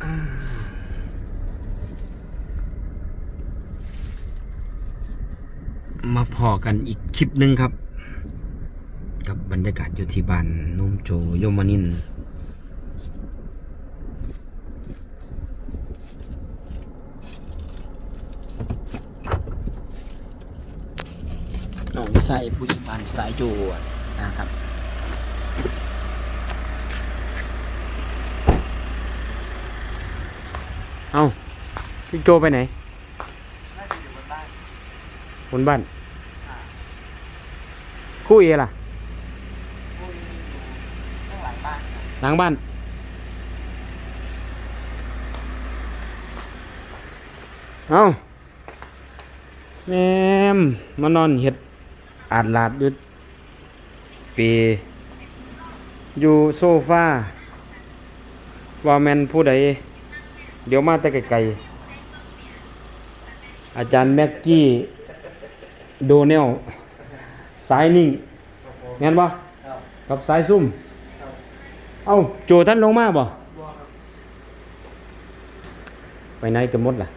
มาพอกันอีกคลิปหนึ่งครับกับบรรยากาศอยู่ที่บ้านนุ่มโจโยมานินน้องสายผู้ใหญ่บ้านสายโจนะครับเอาพี่โจไปไหนบนบ้านคู่เอล่ะหลังบ้านเอาแม่มมานอนเห็ดอาดลาดอยู่ปีอยู่โซฟาว่าแมนผู้ใดเดี๋ยวมาแต่ไกลๆอาจารย์แม็กกี้โดเนลสายนิ่งงั้นบ่กับสายซุ่มเอ้าโจท่านลงมาบ่ไปไหนกันหมดล่ะ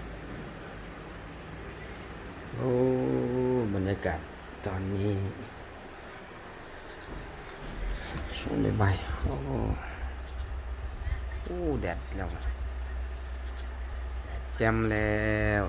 โอ้บรรยากาศตอนนี้ช่วงบ่ายๆโอ้แดดแล้วแดดแจ่มแล้ว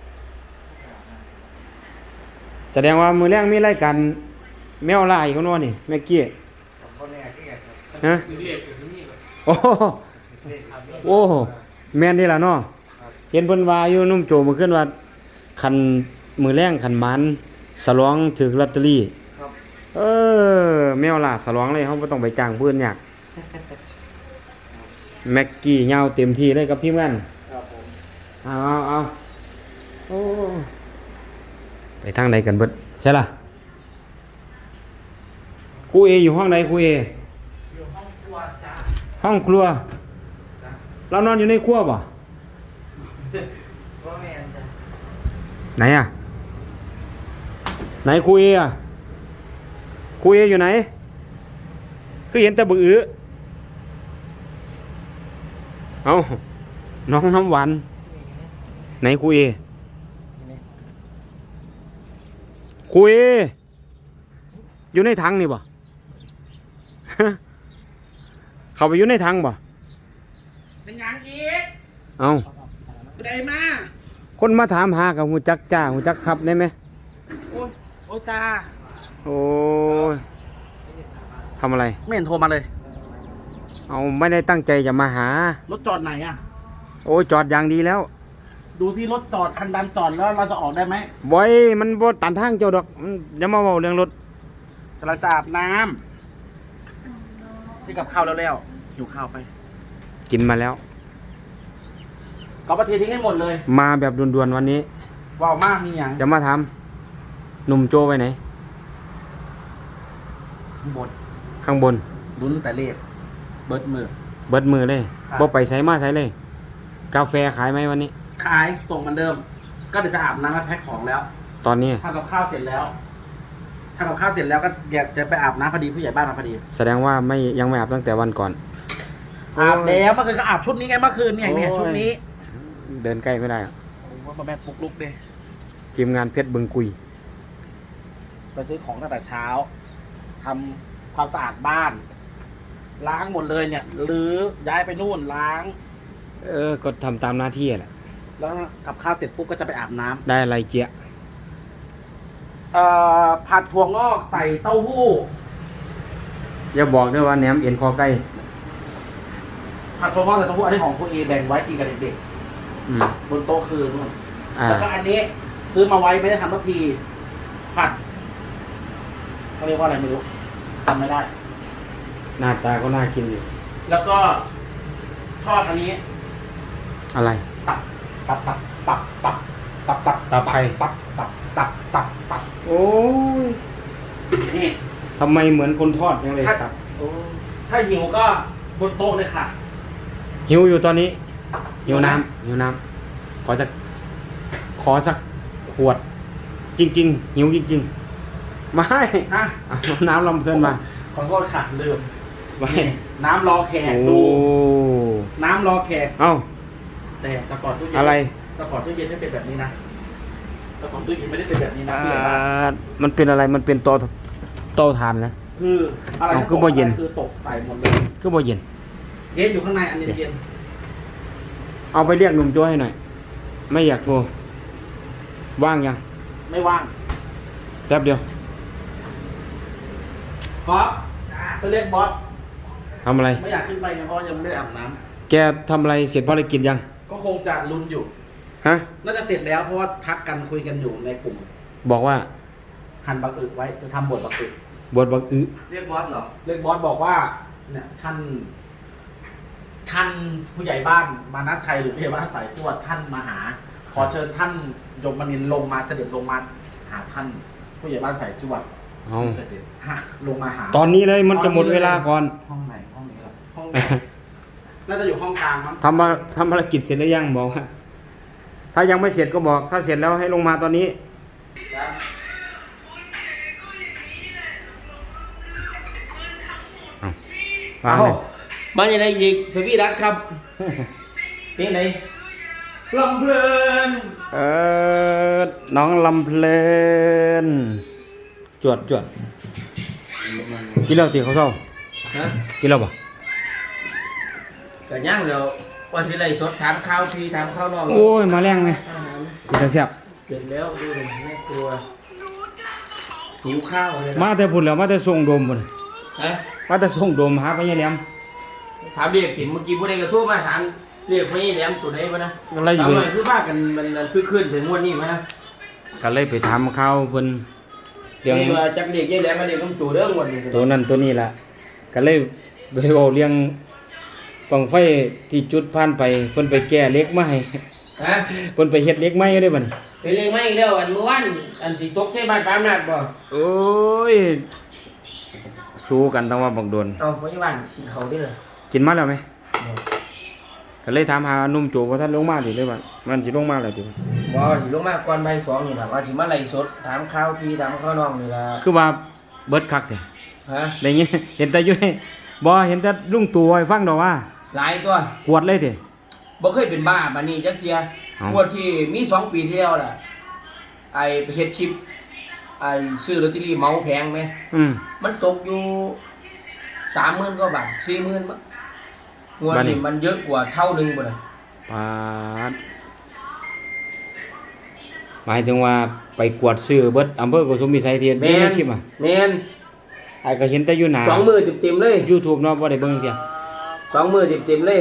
แสดงว่ามือแรกมีรายการแมวลายเขาโน่นนี่แม่เกี้ยฮะโอ้โอ้แม่นนี่ล่ะเนาะเห็นเพิ่นว่าอยู่นุ่มโจมื้อคืนว่าคันมือแรงคันมันสลองถึกลอตเตอรี่แมวล่ะสลองเลยเฮาบ่ต้องไปจ้างเพิ่นยากแม็กกี้ยาวเต็มที่เลยกับทีมงานครับผมเอาโอ้ไปทางใดกันเบิดใช่ล่ะครูเออยู่ห้องใดครูเออยู่ห้องครัวจ้าห้องครัวเรานอนอยู่ในครัวป่ะไหนอ่ะไหนครูเออ่ะครูเออยู่ไหนคือเห็นแต่บึกอื้อเอาน้องน้ำหวานไหนครูเอครูเออยู่ในถังนี่บ่ เข้าไปอยู่ในถังบ่เป็นหยังอีกเอาได้มาคนมาถามหากับหูจักจ้าหูจักขับได้ไหมโอ้จ้าโอ้ยทำอะไรไม่เห็นโทรมาเลยเอาไม่ได้ตั้งใจจะมาหารถจอดไหนอ่ะโอ้ยจอดอย่างดีแล้วดูซิรถจอดคันดำจอดแล้วเราจะออกได้ไหมบ่อยมันบ่ตันทางเจ้าดอกอย่ามาเว้าเรื่องรถกำลังจะอาบน้ำที่กับข้าวแล้วอยู่ข้าวไปกินมาแล้วก็ประเทศทิ้งให้หมดเลยมาแบบด่วนๆวันนี้ว้าวมากมีอย่างจะมาทำหนุ่มโจไปไหนข้างบนลุ้นแต่เลขเบิดมือเลยบ่ไปใส่มาใส่เลยกาแฟขายไหมวันนี้ขายส่งเหมือนเดิมก็เดี๋ยวจะอาบน้ำและแพ็คของแล้วตอนนี้ทำกับข้าวเสร็จแล้วก็อยากจะไปอาบน้ำพอดีผู้ใหญ่บ้านมาพอดีแสดงว่ายังไม่อาบตั้งแต่วันก่อนอาบแล้วเมื่อคืนก็อาบชุดนี้ไงเมื่อคืนเนี่ยชุดนี้เดินใกล้ไม่ได้ว่าแม่ปลุกลุกเลยทีมงานเพชรบึงกุยไปซื้อของตั้งแต่เช้าทำความสะอาดบ้านล้างหมดเลยเนี่ยหรือย้ายไปนู่นล้างก็ทำตามหน้าที่แหละแล้วกับข้าวเสร็จปุ๊บก็จะไปอาบน้ำได้อะไรเจี๊ยผัดถั่วงอกใส่เต้าหู้อย่าบอกด้วยว่าแหนมเอ็นคอไก่ผัดถั่วงอกใส่เต้าหู้อันนี้ของคุณเอแบ่งไว้กินกับเด็กๆบนโต๊ะคือนู่นแล้วก็อันนี้ซื้อมาไว้ไม่ได้ทำสักทีผัดเขาเรียกว่าอะไรไม่รู้จำไม่ได้หน้าตาก็น่ากินอยู่แล้วก็ทอดอันนี้อะไรตับไข่ตับโอ้ยนี่ทำไมเหมือนคนทอดยังเลยตับถ้าหิวก็บนโต๊ะเลยค่ะหิวอยู่ตอนนี้หิวน้ำขอสักขวดจริงๆหิวจริงๆไม่น้ำลำเพลินมาขอโทษค่ะลืมน้ำรอแขกดูน้ำรอแขกเอ้าแต่แต่ก่อนตู้เย็นอะไรแต่ก่อนตู้เย็นไม่เป็นแบบนี้นะแต่ก่อนตู้เย็นไม่ได้เป็นแบบนี้นะอ่าผู้ใหญ่บ้านมันเป็นอะไรมันเป็นเตาถ่านนะคืออะไรเอาที่คือตกบ่เย็นคือตกใส่หมดเลยก็บ่เย็นเย็นอยู่ข้างในอันนี้เย็นเอาไปเรียกหนุ่มโจ้ให้หน่อย ไม่อยากโทรว่างยังไม่ว่างแป๊บเดียวเพราะไปเรียกบอสทำอะไรไม่อยากขึ้นไปนะเพราะยังไม่ได้อาบน้ำแกทำอะไรเสร็จภารกิจยังก็คงจะลุ้นอยู่ฮะน่าจะเสร็จแล้วเพราะว่าทักกันคุยกันอยู่ในกลุ่มบอกว่าหั่นบักอึไว้จะทำบทบักอึบทบักอึเรียกบอสเหรอเรียกบอสบอกว่าเนี่ยท่านผู้ใหญ่บ้านมานัชชัยหรือผู้ใหญ่บ้านสายจวดท่านมาหา ขอเชิญท่านยมนินทร์ลงมาเสด็จลงมาหาท่านผู้ใหญ่บ้านสายจวดเอาเสด็จฮะลงมาหาตอนนี้เลยมันจะหมดเวลาก่อนห้องไหนห้องนี้เหรอห้องไหน น่าจะอยู่ห้องกลางมั้งทำภารกิจเสร็จหรือยังบอกว่าถ้ายังไม่เสร็จก็บอก ถ้าเสร็จแล้วให้ลงมาตอนนี้วางเลยมาอย่างไรอีกสวีดัสครับนี่ไหนลำเพลินน้องลำเพลินจวดกินเหล้าตีเขาเศร้าฮะกินเหล้าปะก็ย่างแล้วว่าสิไรสดถามข้าวพี่ถามข้าวนอกโอ้ยมาแรงไหมอาหารกินแต่เสียบเสร็จแล้วดูเลยแม่ครัวหิวข้าวเลยมาแต่พุ่นแล้วมาแต่ส่งโดมพุ่นฮะมาแต่ส่งโดมหาพญาแหลมถามเรียกติ๋มเมื่อกี้ผู้ใดกระทู้มาถามเรียกพี่แหลมสุดไหนมานะอะไรอยู่ถามหน่อยคือว่ากันมันคือขึ้นถึงวันนี้มานะก็เลยไปถามเขาเพิ่นเรื่องนี่ว่าจักเรียกยายแหลมมาเรียกลุงจู่เรื่องวันนี้ตัวนั้นตัวนี้ล่ะก็เลยไปเว้าเรื่องบังไฟที่จุดผ่านไปเพิ่นไปแก้เหล็กมาให้ฮะเพิ่นไปเฮ็ดเหล็กใหม่ได้บัดนี้ไปเรียกไม่อีกแล้วอันเมื่อวานอันสิตกใช่บ้านปามนาดบ่โอ้ยสู้กันต้องว่าบักโดนเอาไว้บ้านกินเขาวดิเลยกินมาแล้วไหมก็เลยถามหาหนุ่มโจว่าท่านลงมาดิเลยว่ามันสิลงมาแล้วติบ่สิลงมาก่อนบ่าย 2นี่ล่ะว่าสิมาไล่สดถามข้าวพี่ถามข้าวน้องนี่ล่ะคือว่าเบิดคักแท้ฮะได้ยิน เห็นแต่อยู่ในบ่เห็นแต่ลุงตู่ให้ฟังดอกว่าหลายตัวกวดเลยติบ่เคยเป็นบ้าปานนี้จักเที่ยเอ้างวดที่มี2 ปีที่แล้วล่ะไอ้ไปเฮ็ดชิปไอ้ซื้อลอตเตอรี่เหมาแพงไหมอืมมันตกอยู่ 30,000 กว่าบาท 40,000มั้งงวดบัดนี้นี้มันเยอะกว่าเท่านึงพุ่นน่ะปาดหมายถึงว่าไปกวดซื้อเบิดอำเภอโกสุมพิสัยที่อยู่ในคลิปอ่ะแม่นไอ้ก็เห็นแต่อยู่หน้า 2 มื้อเต็มๆเลย YouTube เนาะบ่ได้เบิ่งเที่ย 2 มื้อเต็มๆเลย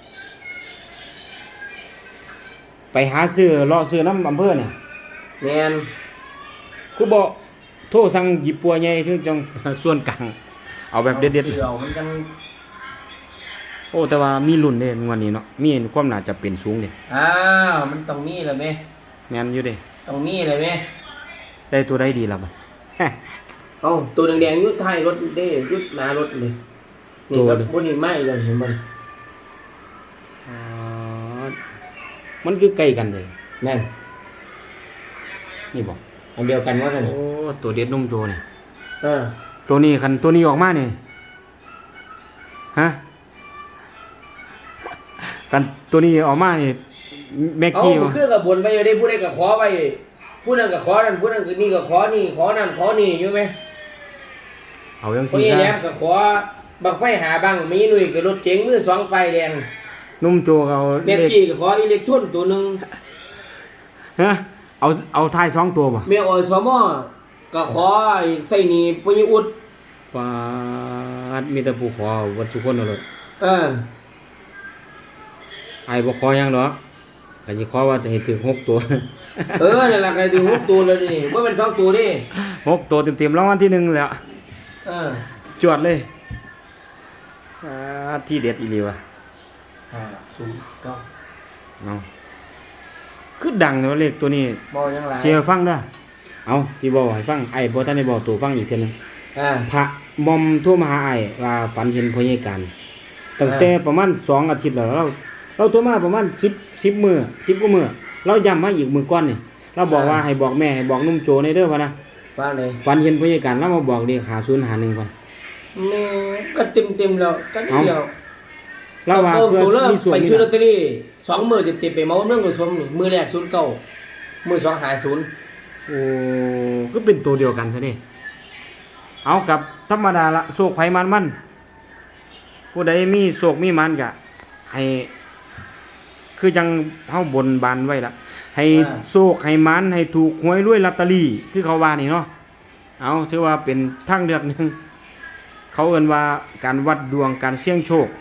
ไปหาซื้อเลาะซื้อน้ำอำเภอเนี่ยแม่นคือบ่โทรสั่งหยิบปัวใหญ่ถึงจัง ส่วนกลางเอาแบบเด็ดซื้อเอามันจังๆโอ้แต่ว่ามีรุ่นเด้งวดนี้เนาะมีความน่าจะเป็นสูงเด้อ้าวมันต้องมีแหละแม่แม่นอยู่เด้ต้องมีแหละแม่ได้ตัวใดดีล่ะบัดเอ้าตัวแดงๆอยู่ท้ายรถเด้อยู่หน้ารถนี่นี่ครับบ่นี่ไหม้เลยเห็นบ่นี่อ๋อมันคือใกล้กันเลยนั่นนี่บ่อันเดียวกันว่ากันโอ้ตัวเด็ดนุ่มโจนี่เออตัวนี้คันตัวนี้ออกมานี่ฮะกันตัวนี้ออกมานี่แม็กเอากี้มันคือกับบนไปอยู่ได้ผู้ใดก็ขอไปผู้นั้นก็ขอนั่นผู้นั้นก็นี่ก็ขอนี่ขอนั่นขอนี่อยู่ไหมเอาจังผู้ซี่ใหญ่แหลซะมก็ขอบังไฟหาบังมีหนุ่ยก็รถเก๋งมือ2ป้ายแดงนุ่มโจก็เอาแม็กกี้ก็ขออิเล็กทรอนตัวหนึงฮะเอาท้าย2ตัวบ่แม่อสมก็ขอไอ้ไส้หนีปุญอุดปาดมีแต่ผู้ขอวัดสุคนเอาเลยเออไอ้บ่ขอหยังดอกก็สิขอว่าจะให้ถึง6ตัวเออนั่นล่ะก็ถึง6ตัวแล้วนี่บ่เป็น2ตัวดิ 6ตัวเต็มๆรางวัลที่1แล้วเออจวดเลยที่เด็ดอีหลีว่ะ 509 เอาคือดังเนาะเลขตัวนี้บ่ยังหลายเสียฟังเด้อเอาสิบอกให้ฟังไอ้บ่ทันได้บอกตัวฟังอีกเทื่อนึงอ่าพระมอมโทรมาหาไอ้ว่าฝันเห็นพญาการตั้งแต่ประมาณ2อาทิตย์แล้วเราโทรมาประมาณ10มื้อ10กว่ามื้อเราย้ำมาอีกมื้อก่อนนี่เราบอกว่าให้บอกแม่ให้บอกนุ่มโจในเด้อว่านะว่าเลยฝันเห็นพญาการแล้วมาบอกเลข5051ก่อนแม่ก็เต็มๆแล้วก็นี่แล้วเราว่าตัวเพื่อตัวเริ่มมีส่วนไปนี่ซื้อลอตล่ะเตอรี่2มื้อเต็มๆไปเมาเรื่องกับชมนี่มื้อแรก09มื้อ2หา0 โอ้ก็เป็นตัวเดียวกันซะนี่เอากับธรรมดาละโศกไผมันผู้ใดมีโศกมีมันก็ให้คือจังเฮาบนบานไว้ละให้โศกให้มันให้ถูกหวยรวยลอตเตอรี่คือเขาว่านี่เนาะเอาถือว่าเป็นทางเลือกหนึงเขาเอิ้นว่าการวัดดวงการเสี่ยงโชค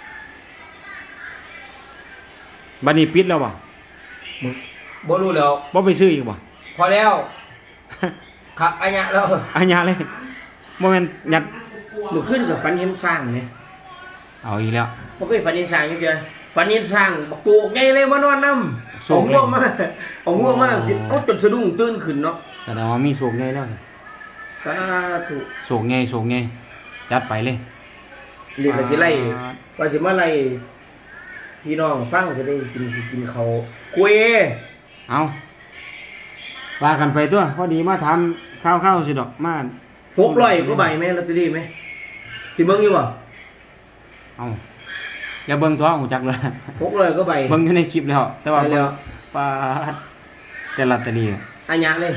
บัดนี้ปิดแล้วบ่บ่รู้แล้วบ่ไปซื้ออีกบ่พอแล้วครับอันเนี้ยแล้วอัญญาเลยบ่แม่นยัดมื้อคืนก็ฝันเห็นสร้างแหมเอาอีกแล้วบ่เคยฝันเห็นสร้างจังซี่ฝันเห็นสร้างบักโกกใหญ่เลยมานอนนำโศกเลยเอาง่วงมาเอาจนสะดุ้งตื่นขึ้นเนาะแสดงว่ามีโศกใหญ่แล้วสาธุโศกไงจัดไปเลยเรียกว่าสิไล่ว่าสิมาไล่พี่น้องฟังจะได้กินเขาวคุยเอาว่ากันไปตัวพอดีมาทำข้าวสิดอกมา 600กว่าใบแม่ลอตเตอรี่ไหมสิเบิ่งอยู่บ่เอาอย่าเบิ่งตัวหูจักเลย 600กว่าใบเบิ่งอยู่ในคลิปแล้ว แต่ว่าไปแล้วปาดแต่ลอตเตอรี่อันยะเลย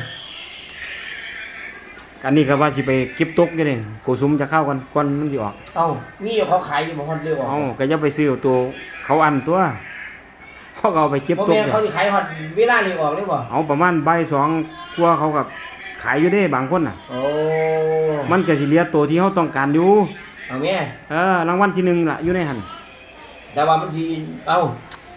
อันนี้ก็ว่าสิไปเก็บตกอยู่นี่โกสุมจะเข้ากันก่อนมันสิออกเอ้ามีเขาขายอยู่บ่ฮอดเร็วบ่เอาก็อย่าไปซื้อเอาตัวเขาอันตัวเขาก็เอาไปเก็บบ่ตกแม่นเดี๋ยเขาวสิขายฮอดเวลานี้ออกเลยบ่เอาประมาณบ่ายสองกว่าเขาก็ขายอยู่เด้บางคนน่ะโอ้มันก็สิเหลือตัวที่เขาต้องการอยู่เอาแม่รางวัลที่หนึ่งล่ะอยู่ในหันแต่ว่ามันสิเอ้า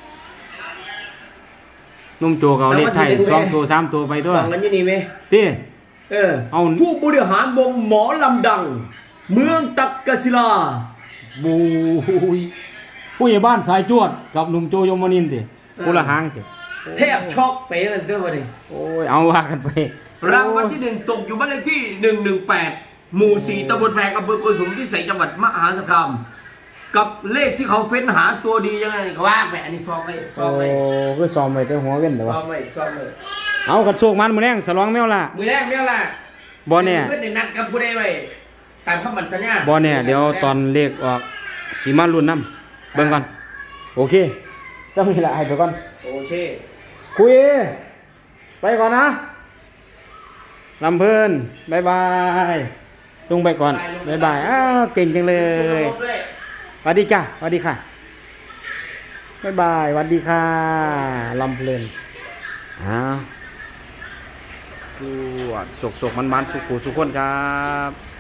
นุ่มโจก็เอาเลขไทยรางวัลที่หนึ่งสองตัวสามตัวไปตัวฟังกันอยู่นี่แม่ติ เอาผู้บริหารวงหมอลำดัง เมืองตักกศิลาบูยผู้ใหญ่บ้านสายจวดกับหนุ่มโจยมนินทร์ติผู้ละหางติแทบช็อกไปนั่นเด้อบ่นี่โอ้ยเอาว่ากันไปรางวัลที่1ตกอยู่บ้านเลขที่118หมู่4ตำบลแพงอำเภอโกสุมพิสัยจังหวัดมหาสารคามกับเลขที่เขาเฟ้นหาตัวดียังไงก็ว่าไปอันนี้ซ้อมไว้ซ้อมไว้คือซ้อมไว้แต่หัวเว้นแต่ซ้ว่าอมไว้ซ้อมไว้เอากระโชกมันมื้อแรงสลองแมวล่ะมือแรกเนี่ยล่ะบ่แน่เพื่อนได้นัดกับผู้ใดไว้ตามคำมั่นสัญญาบ่แน่เดี๋ยวตอนเลขออกสิมาลุ้นนํเบิ่งก่อนโอเคจังนี้ล่ะให้ไปก่อนโอเคคุยไปก่อนนะลำเพิ่นบายบายลุงไปก่อนบายบายอ้าวเก่งจังเลยสวัสดีจ้าสวัสดีค่ะบายบายสวัสดีค่ะลำเพลินอ้าวสวดสุกมันสุขุสุขคนครับ